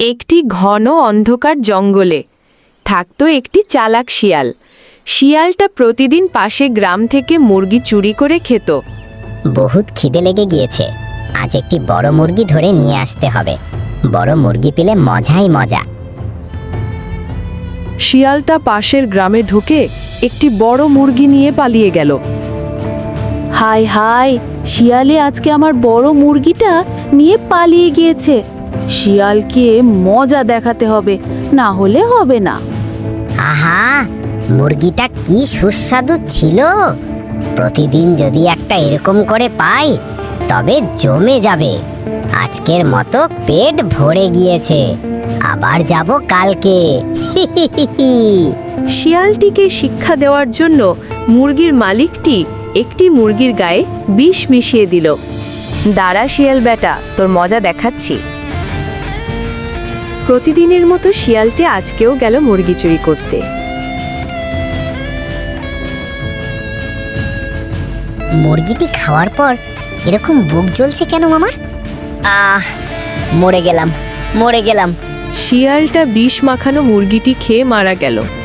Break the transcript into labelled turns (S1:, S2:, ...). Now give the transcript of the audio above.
S1: একটি ঘন অন্ধকার জঙ্গলে থাকতো একটি চালাক শিয়াল। শিয়ালটা প্রতিদিন পাশে গ্রাম থেকে মুরগি চুরি করে খেত।
S2: বহুত খিদে লেগে গিয়েছে, আজ একটি বড় মুরগি ধরে নিয়ে আসতে হবে। বড় মুরগি পেলে মজাই মজা।
S1: শিয়ালটা পাশের গ্রামে ঢুকে একটি বড় মুরগি নিয়ে পালিয়ে গেল।
S3: হায় হায়, শিয়ালে আজকে আমার বড় মুরগিটা নিয়ে পালিয়ে গিয়েছে। শিয়ালকে মজা দেখাতে হবে, না হলে হবে না।
S2: আহা, মুরগিটা কি সুস্বাদু ছিল। প্রতিদিন যদি একটা এরকম করে পাই তবে জমে যাবে। আজকের মতো পেট ভরে গিয়েছে, আবার যাব কালকে।
S1: শিয়ালটিকে শিক্ষা দেওয়ার জন্য মুরগির মালিকটি একটি মুরগির গায়ে বিষ মিশিয়ে দিল। দাঁড়া শিয়াল বেটা, তোর মজা দেখাচ্ছি। প্রতিদিনের মতো শিয়ালটি আজকেও গেল মুরগি চুরি করতে।
S2: মুরগিটি খাওয়ার পর এরকম বুক জ্বলছে কেন আমার? মরে গেলাম।
S1: শিয়ালটা বিষ মাখানো মুরগিটি খেয়ে মারা গেল।